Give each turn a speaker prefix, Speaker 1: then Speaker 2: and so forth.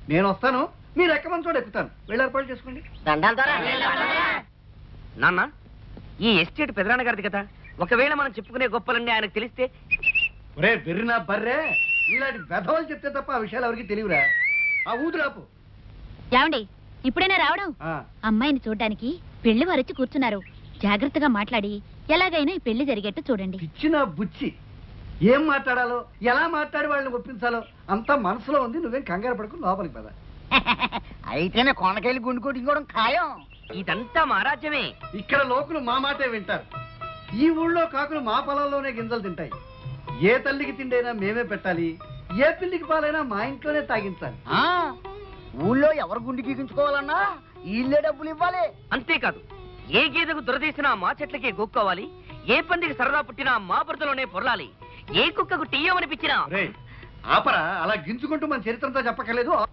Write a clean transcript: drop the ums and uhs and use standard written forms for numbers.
Speaker 1: నేను వస్తాను, మీరు ఎక్కమని చోట ఎక్కుతాను. వెళ్ళి ఏర్పాటు చేసుకోండి.
Speaker 2: నాన్న, ఈ ఎస్టేట్ పెదనాన్న గారిది కదా, ఒకవేళ మనం చెప్పుకునే గొప్పలన్నీ ఆయనకు తెలిస్తే?
Speaker 1: ఒరే బెర్రినా బర్రే, ఇలాంటి వెధవలు చెప్తే తప్ప ఆ విషయాలు ఎవరికి తెలియరా? ఆ ఊదురాపు.
Speaker 3: ఏమండి, ఇప్పుడైనా రావడం? అమ్మాయిని చూడ్డానికి పెళ్లి వారొచ్చి కూర్చున్నారు. జాగ్రత్తగా మాట్లాడి ఎలాగైనా ఈ పెళ్లి జరిగేట్టు చూడండి.
Speaker 1: ఇచ్చిన బుచ్చి, ఏం మాట్లాడాలో ఎలా మాట్లాడి వాళ్ళని ఒప్పించాలో అంతా మనసులో ఉంది. నువ్వేం కంగారు పడుకుని లోపలికి పద.
Speaker 4: అయితేనే కొండకెళ్ళి గుండు కొట్టుకోవడం ఖాయం.
Speaker 2: ఇదంతా మా రాజ్యమే.
Speaker 1: ఇక్కడ లోకులు మా మాటే వింటారు. ఈ ఊళ్ళో కాకులు మా పొలంలోనే గింజలు తింటాయి. ఏ తల్లికి తిండైనా మేమే పెట్టాలి, ఏ పిల్లికి పాలైనా మా ఇంట్లోనే తాగించాలి.
Speaker 4: ఊళ్ళో ఎవరు గుండు గీకించుకోవాలన్నా వీళ్ళే డబ్బులు ఇవ్వాలి.
Speaker 2: అంతేకాదు, ఏ గేదెకు దురదీసినా మా చెట్లకే గోక్కోవాలి, ఏ పందికి సరదా పుట్టినా మా బురదలోనే పొరలాలి, ఏ కుక్కకు టీయమనిపించినా.
Speaker 1: ఆపరా, అలా గింజుకుంటూ మన చరిత్రంతో చెప్పక్కర్లేదు.